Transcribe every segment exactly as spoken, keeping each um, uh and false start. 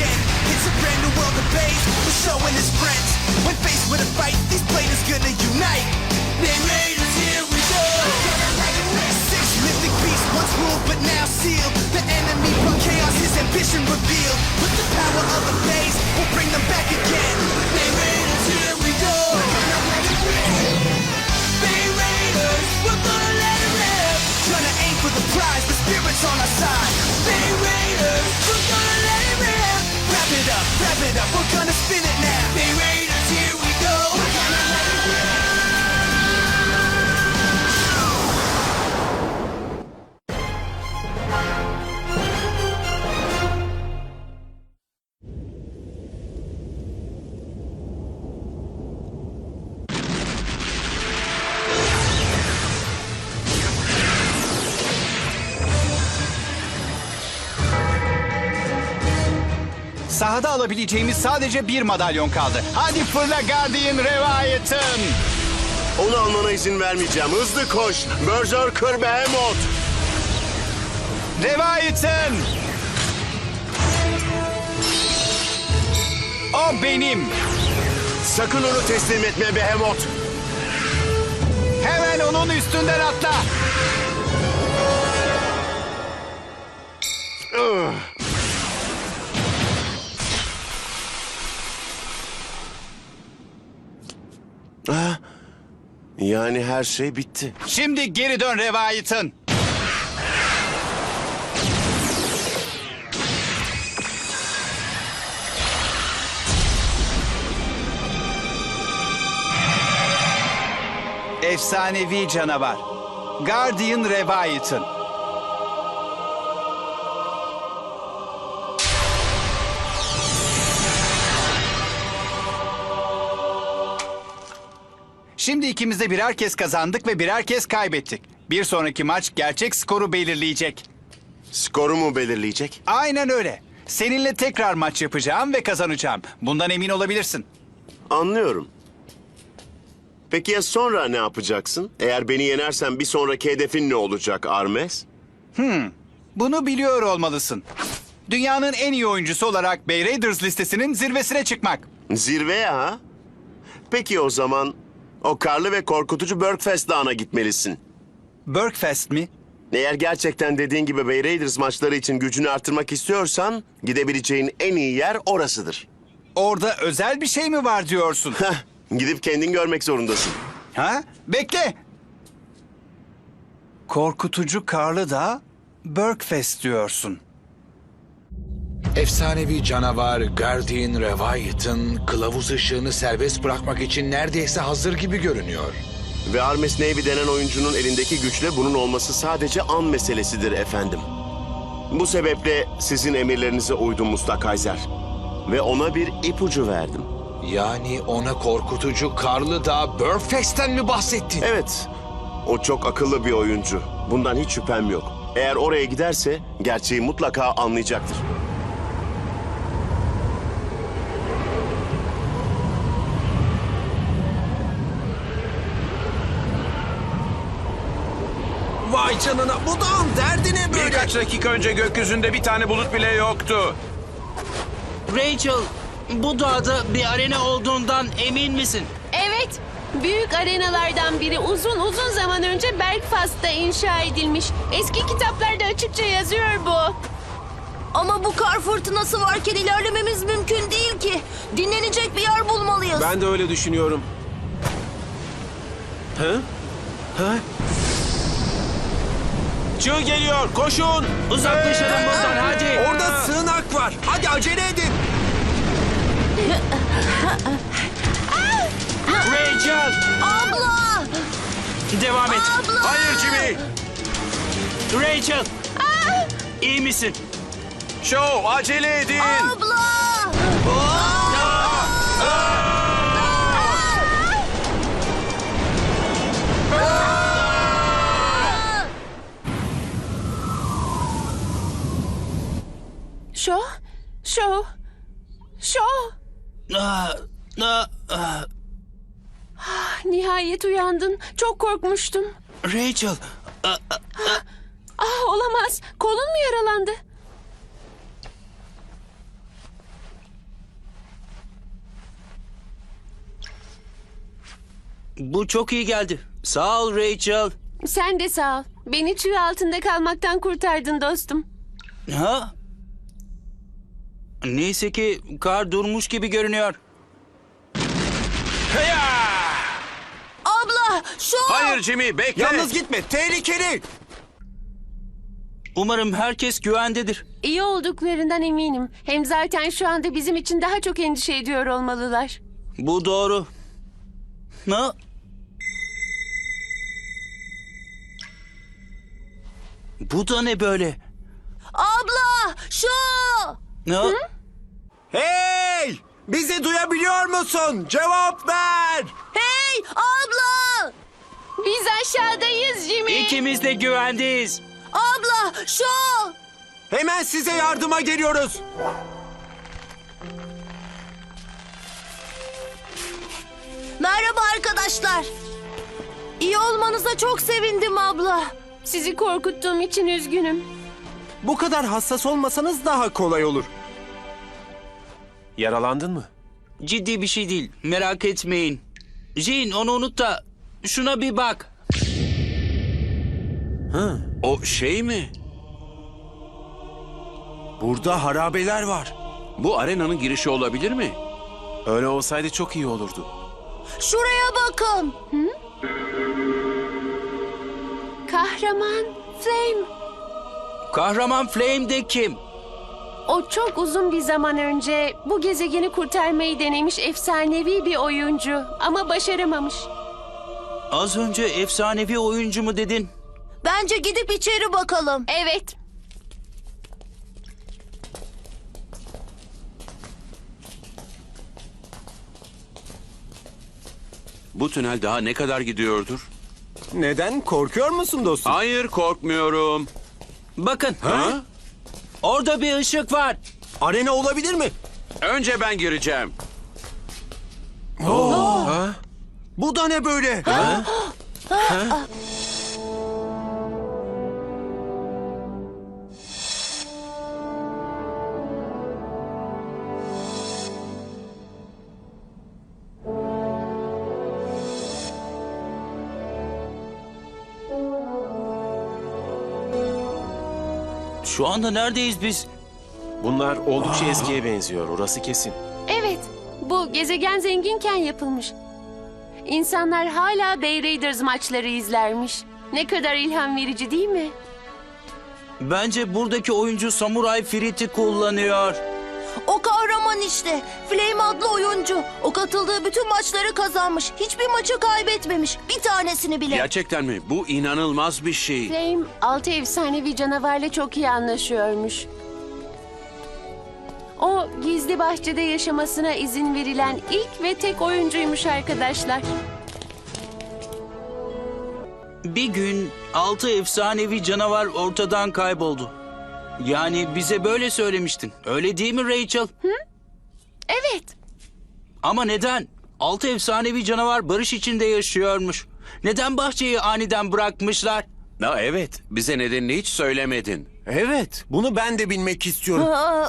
again. It's a brand new world of Baze, we're showing his friends. When faced with a fight, these players gonna unite. They Raiders, here we go. Six mythic beasts, once ruled but now sealed. The enemy brought chaos, his ambition revealed. With the power of the Baze, we'll bring them back again. They Raiders, here we go. They Raiders, we're gonna let it rip. Gonna aim for the prize, the spirit's on our side. They Raiders, we're gonna let it rip. Wrap it up, wrap it up, we're gonna spin it now. They Raiders, here we go. We're gonna let it rip. Sahada alabileceğimiz sadece bir madalyon kaldı. Hadi fırla Guardian Reviathan. Onu almana izin vermeyeceğim. Hızlı koş. Berserker Behemoth. Reviathan! O benim. Sakın onu teslim etme Behemoth. Hemen onun üstünden atla. Ugh. Ah, yani her şey bitti. Şimdi geri dön Reviathan. Efsanevi canavar. Guardian Reviathan. Şimdi ikimiz de birer kez kazandık ve birer kez kaybettik. Bir sonraki maç gerçek skoru belirleyecek. Skoru mu belirleyecek? Aynen öyle. Seninle tekrar maç yapacağım ve kazanacağım. Bundan emin olabilirsin. Anlıyorum. Peki ya sonra ne yapacaksın? Eğer beni yenersen bir sonraki hedefin ne olacak Armes? Bunu biliyor olmalısın. Dünyanın en iyi oyuncusu olarak Bay Raiders listesinin zirvesine çıkmak. Zirveye ha? Peki o zaman o karlı ve korkutucu Berkfest Dağı'na gitmelisin. Berkfest mi? Eğer gerçekten dediğin gibi Bay Raiders maçları için gücünü artırmak istiyorsan gidebileceğin en iyi yer orasıdır. Orada özel bir şey mi var diyorsun? Heh, gidip kendin görmek zorundasın. Ha? Bekle. Korkutucu Karlı Dağ, Berkfest diyorsun. Efsanevi canavar Guardian Reviathan kılavuz ışığını serbest bırakmak için neredeyse hazır gibi görünüyor. Ve Armes Navy denen oyuncunun elindeki güçle bunun olması sadece an meselesidir efendim. Bu sebeple sizin emirlerinize uydum Mustakayzer. Ve ona bir ipucu verdim. Yani ona korkutucu Karlı Dağ Berkfest'ten mi bahsettin? Evet, o çok akıllı bir oyuncu. Bundan hiç şüphem yok. Eğer oraya giderse gerçeği mutlaka anlayacaktır. Vay canına, bu dağın derdi ne böyle? Birkaç dakika önce gökyüzünde bir tane bulut bile yoktu. Rachel, bu dağda bir arena olduğundan emin misin? Evet, büyük arenalardan biri uzun uzun zaman önce Belfast'ta inşa edilmiş. Eski kitaplarda açıkça yazıyor bu. Ama bu kar fırtınası varken ilerlememiz mümkün değil ki. Dinlenecek bir yer bulmalıyız. Ben de öyle düşünüyorum. Hı? Hı? Çığ geliyor, koşun! Uzaklaşalım buradan, hadi. Orada sığınak var. Hadi acele edin. Rachel, Abla! devam et. Abla! Hayır Jimmy. Rachel, iyi misin? Show acele edin. Abla! Şo, şo, şo. Aa, aa, aa. Nihayet uyandın. Çok korkmuştum. Rachel, aa, Ah, olamaz. Kolun mu yaralandı? Bu çok iyi geldi. Sağ ol Rachel. Sen de sağ ol. Beni çığ altında kalmaktan kurtardın dostum. Ha? Neyse ki kar durmuş gibi görünüyor. Abla şu... Hayır Jimmy, bekle. Yalnız gitme. Tehlikeli. Umarım herkes güvendedir. İyi olduklarından eminim. Hem zaten şu anda bizim için daha çok endişe ediyor olmalılar. Bu doğru. Ha? Bu da ne böyle? Abla şu... Ha? Hey! Bizi duyabiliyor musun? Cevap ver. Hey abla! Biz aşağıdayız Jimmy. İkimiz de güvendeyiz. Abla şu... Hemen size yardıma geliyoruz. Merhaba arkadaşlar. İyi olmanıza çok sevindim abla. Sizi korkuttuğum için üzgünüm. Bu kadar hassas olmasanız daha kolay olur. Yaralandın mı? Ciddi bir şey değil. Merak etmeyin. Jean onu unut da şuna bir bak. O şey mi? Burada harabeler var. Bu arenanın girişi olabilir mi? Öyle olsaydı çok iyi olurdu. Şuraya bakın. Kahraman Flame. Kahraman Flame de kim? O çok uzun bir zaman önce bu gezegeni kurtarmayı denemiş efsanevi bir oyuncu ama başaramamış. Az önce efsanevi oyuncu mu dedin? Bence gidip içeri bakalım. Evet. Bu tünel daha ne kadar gidiyordur? Neden? Korkuyor musun dostum? Hayır, korkmuyorum. Bakın. Ha? Orada bir ışık var. Arena olabilir mi? Önce ben gireceğim. Bu da ne böyle? Şu anda neredeyiz biz? Bunlar oldukça eskiye benziyor. Orası kesin. Evet. Bu gezegen zenginken yapılmış. İnsanlar hala Bay Raiders maçları izlermiş. Ne kadar ilham verici değil mi? Bence buradaki oyuncu Samurai Frit'i kullanıyor. O kahraman işte. Flame adlı oyuncu. O katıldığı bütün maçları kazanmış. Hiçbir maçı kaybetmemiş. Bir tanesini bile. Gerçekten mi? Bu inanılmaz bir şey. Flame, altı efsanevi canavarla çok iyi anlaşıyormuş. O gizli bahçede yaşamasına izin verilen ilk ve tek oyuncuymuş arkadaşlar. Bir gün altı efsanevi canavar ortadan kayboldu. Yani bize böyle söylemiştin. Öyle değil mi Rachel? Evet. Ama neden? Altı efsanevi canavar barış içinde yaşıyormuş. Neden bahçeyi aniden bırakmışlar? Ha, evet, bize nedenini hiç söylemedin. Evet, bunu ben de bilmek istiyorum. Aa,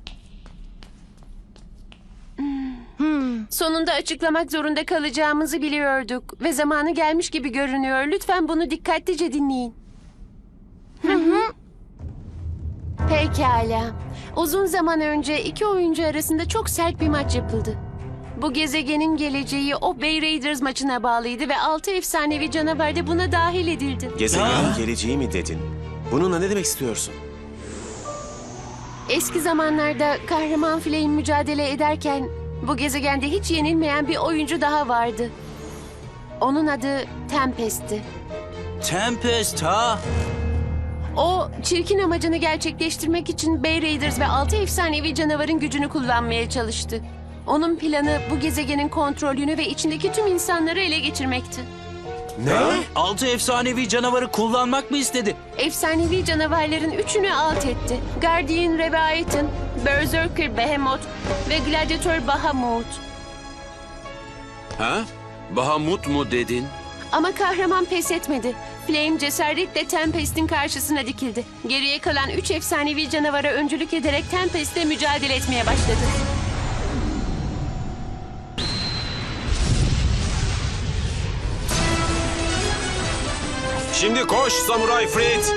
Sonunda açıklamak zorunda kalacağımızı biliyorduk ve zamanı gelmiş gibi görünüyor. Lütfen bunu dikkatlice dinleyin. Pekala. Uzun zaman önce iki oyuncu arasında çok sert bir maç yapıldı. Bu gezegenin geleceği o Bay Raiders maçına bağlıydı ve altı efsanevi canavar da buna dahil edildi. Gezegenin geleceği mi dedin? Bununla ne demek istiyorsun? Eski zamanlarda kahraman Flame mücadele ederken bu gezegende hiç yenilmeyen bir oyuncu daha vardı. Onun adı Tempest'ti. Tempest ha? O çirkin amacını gerçekleştirmek için Bay Raiders ve altı efsanevi canavarın gücünü kullanmaya çalıştı. Onun planı bu gezegenin kontrolünü ve içindeki tüm insanları ele geçirmekti. Ne? Altı efsanevi canavarı kullanmak mı istedi? Efsanevi canavarların üçünü alt etti. Guardian Leviathan, Berserker Behemoth ve Gladiator Bahamut. Ha? Bahamut mu dedin? Ama kahraman pes etmedi. Flame cesaretle Tempest'in karşısına dikildi. Geriye kalan üç efsanevi canavara öncülük ederek Tempest'le mücadele etmeye başladı. Şimdi koş Samuray Frit.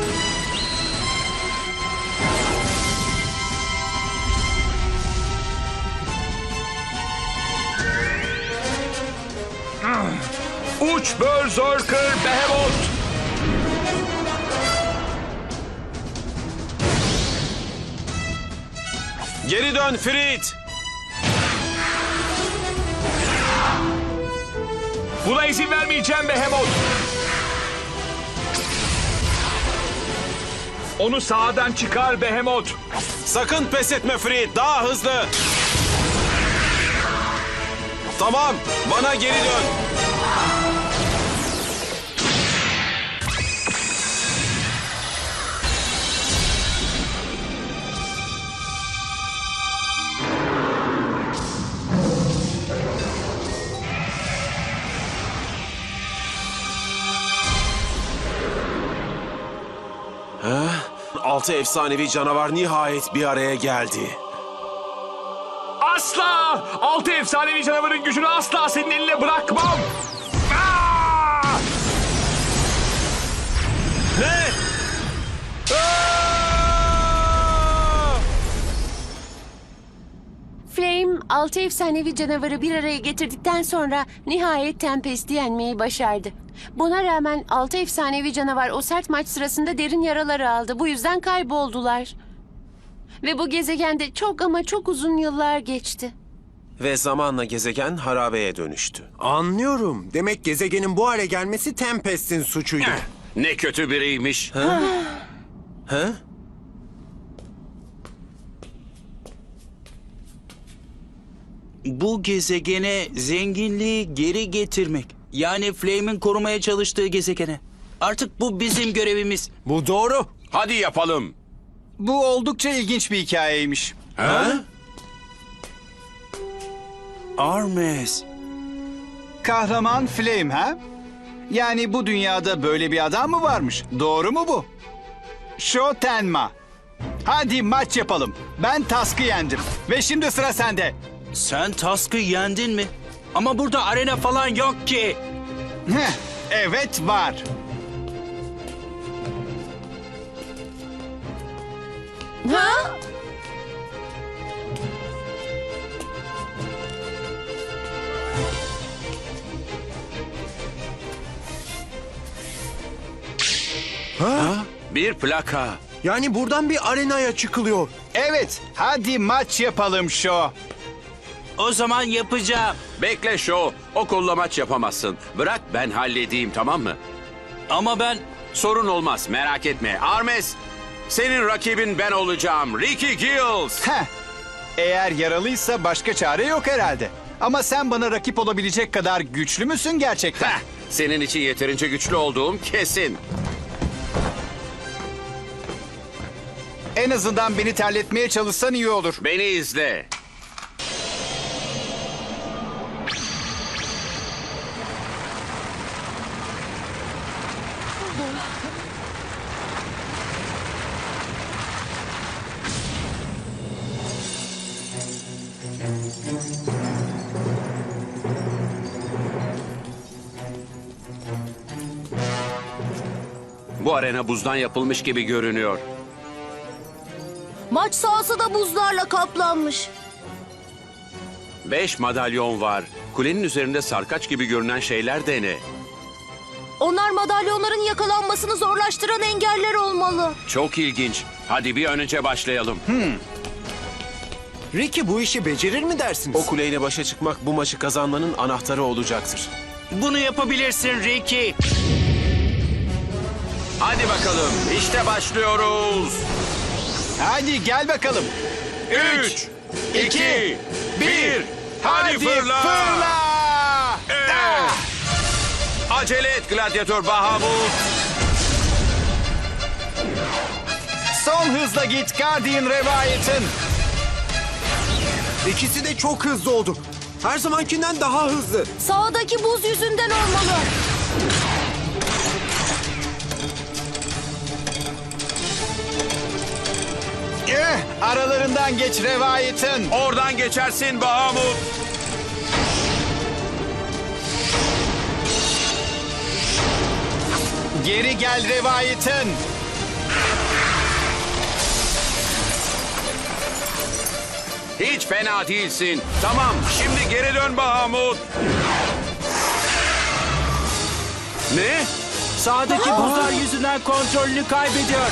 Uç Berserker Behemoth. Geri dön Frit. Buna izin vermeyeceğim Behemoth. Onu sağdan çıkar Behemoth. Sakın pes etme Frit. Daha hızlı. Tamam. Bana geri dön. Altı efsanevi canavar nihayet bir araya geldi. Asla! Altı efsanevi canavarın gücünü asla senin eline bırakmam. Aa! Ne? Flame, altı efsanevi canavarı bir araya getirdikten sonra nihayet Tempest'i yenmeyi başardı. Buna rağmen altı efsanevi canavar o sert maç sırasında derin yaralar aldı. Bu yüzden kayboldular. Ve bu gezegende çok ama çok uzun yıllar geçti. Ve zamanla gezegen harabeye dönüştü. Anlıyorum. Demek gezegenin bu hale gelmesi Tempest'in suçuydu. Ne kötü biriymiş. He? Bu gezegene zenginliği geri getirmek. Yani Flame'in korumaya çalıştığı gezegene. Artık bu bizim görevimiz. Bu doğru. Hadi yapalım. Bu oldukça ilginç bir hikayeymiş. Armes. Kahraman Flame ha? Yani bu dünyada böyle bir adam mı varmış? Doğru mu bu? Shotenma. Hadi maç yapalım. Ben Task'ı yendim. Ve şimdi sıra sende. Sen Task'ı yendin mi? Ama burada arena falan yok ki. Heh, evet var. Ha? Bir plaka. Yani buradan bir arenaya çıkılıyor. Evet, hadi maç yapalım Şo. O zaman yapacağım. Bekle Şo. O kolla maç yapamazsın. Bırak ben halledeyim, tamam mı? Ama ben... Sorun olmaz, merak etme. Armes, senin rakibin ben olacağım. Ricky Gills. Heh, eğer yaralıysa başka çare yok herhalde. Ama sen bana rakip olabilecek kadar güçlü müsün gerçekten? Heh, senin için yeterince güçlü olduğum kesin. En azından beni terletmeye çalışsan iyi olur. Beni izle. Bu arena buzdan yapılmış gibi görünüyor. Maç sahası da buzlarla kaplanmış. Beş madalyon var. Kulenin üzerinde sarkaç gibi görünen şeyler de ne? Onlar madalyonların yakalanmasını zorlaştıran engeller olmalı. Çok ilginç. Hadi bir an önce başlayalım. Ricky bu işi becerir mi dersiniz? O kuleyle başa çıkmak bu maçı kazanmanın anahtarı olacaktır. Bunu yapabilirsin Ricky. Hadi bakalım. İşte başlıyoruz. Hadi gel bakalım. Üç, iki, bir. Hadi, Hadi fırla. fırla! Eh! Acele et gladyatör Bahamut. Son hızla git Guardian Reviathan. İkisi de çok hızlı oldu. Her zamankinden daha hızlı. Sağdaki buz yüzünden olmalı. Eh, aralarından geç Reviathan. Oradan geçersin Bahamut. Geri gel Revayetin. Hiç fena değilsin. Tamam, şimdi geri dön Bahamut. Ne? Sağdaki buzlar yüzünden kontrolünü kaybediyor.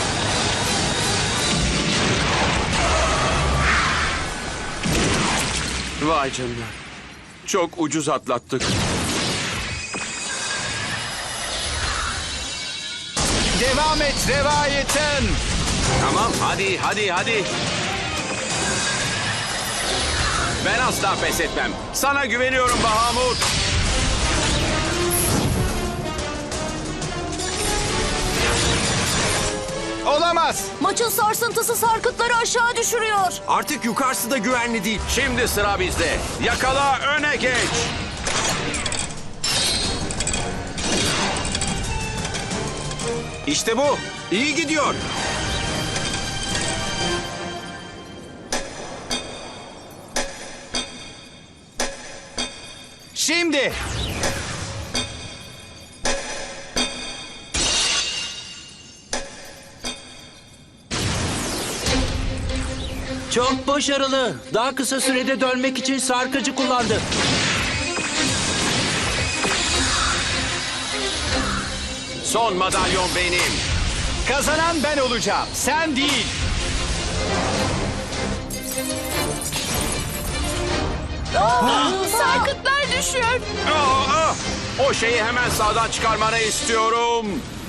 Vay canına. Çok ucuz atlattık. Devam et Revayetin. Tamam, hadi, hadi, hadi. Ben asla pes etmem. Sana güveniyorum Bahamut. Olamaz. Maçın sarsıntısı sarkıtları aşağı düşürüyor. Artık yukarısı da güvenli değil. Şimdi sıra bizde. Yakala, öne geç. İşte bu. İyi gidiyor. Şimdi. Çok başarılı. Daha kısa sürede dönmek için sarkıcı kullandı. Son madalyon benim. Kazanan ben olacağım. Sen değil. Sarkıtlar düşüyor. Aa, aa! O şeyi hemen sağdan çıkarmanı istiyorum.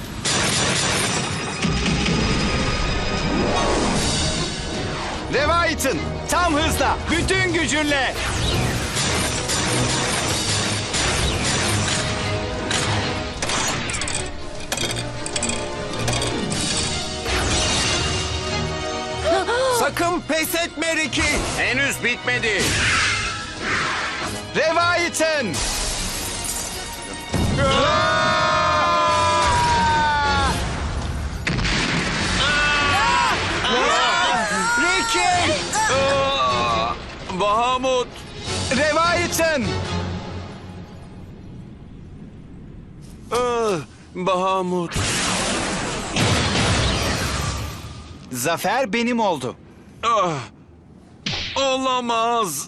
Revayetin. Tam hızla. Bütün gücünle. Sakın pes etme Ricky. Henüz bitmedi. Revayetin. Ricky. Aa, Bahamut. Revayetin. Ah, Bahamut. Zafer benim oldu. Ah, olamaz.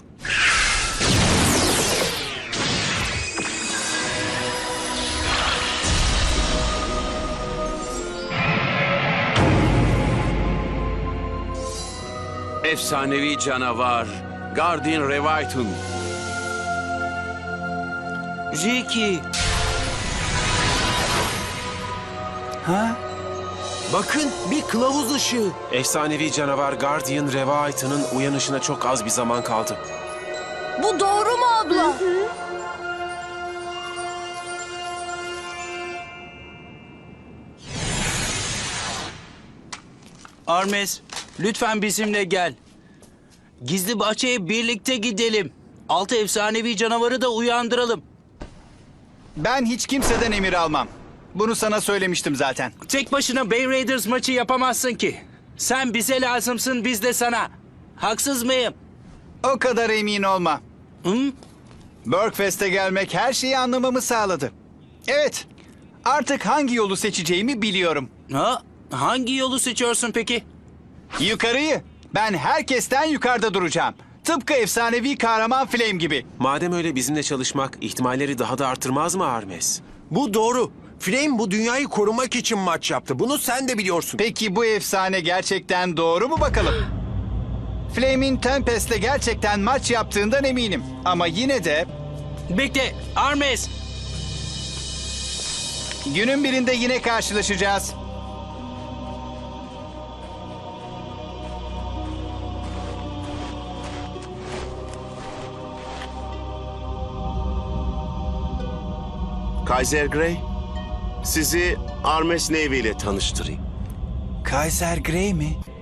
Efsanevi canavar. Guardian Revaitun. Ricky. Ha? Bakın bir kılavuz ışığı. Efsanevi canavar Guardian Revaita'nın uyanışına çok az bir zaman kaldı. Bu doğru mu abla? Armes, lütfen bizimle gel. Gizli bahçeye birlikte gidelim. Altı efsanevi canavarı da uyandıralım. Ben hiç kimseden emir almam. Bunu sana söylemiştim zaten. Tek başına Bay Raiders maçı yapamazsın ki. Sen bize lazımsın, biz de sana. Haksız mıyım? O kadar emin olma. Hı? Burkfest'e gelmek her şeyi anlamamı sağladı. Evet, artık hangi yolu seçeceğimi biliyorum. Ha? Hangi yolu seçiyorsun peki? Yukarıyı. Ben herkesten yukarıda duracağım. Tıpkı efsanevi kahraman Flame gibi. Madem öyle bizimle çalışmak ihtimalleri daha da artırmaz mı Hermes? Bu doğru. Flame bu dünyayı korumak için maç yaptı. Bunu sen de biliyorsun. Peki bu efsane gerçekten doğru mu bakalım? Flame'in Tempest'le gerçekten maç yaptığından eminim. Ama yine de Bekle, Armes. günün birinde yine karşılaşacağız. Kaiser Grey, sizi Armes Navy ile tanıştırayım. Kaiser Grey mi?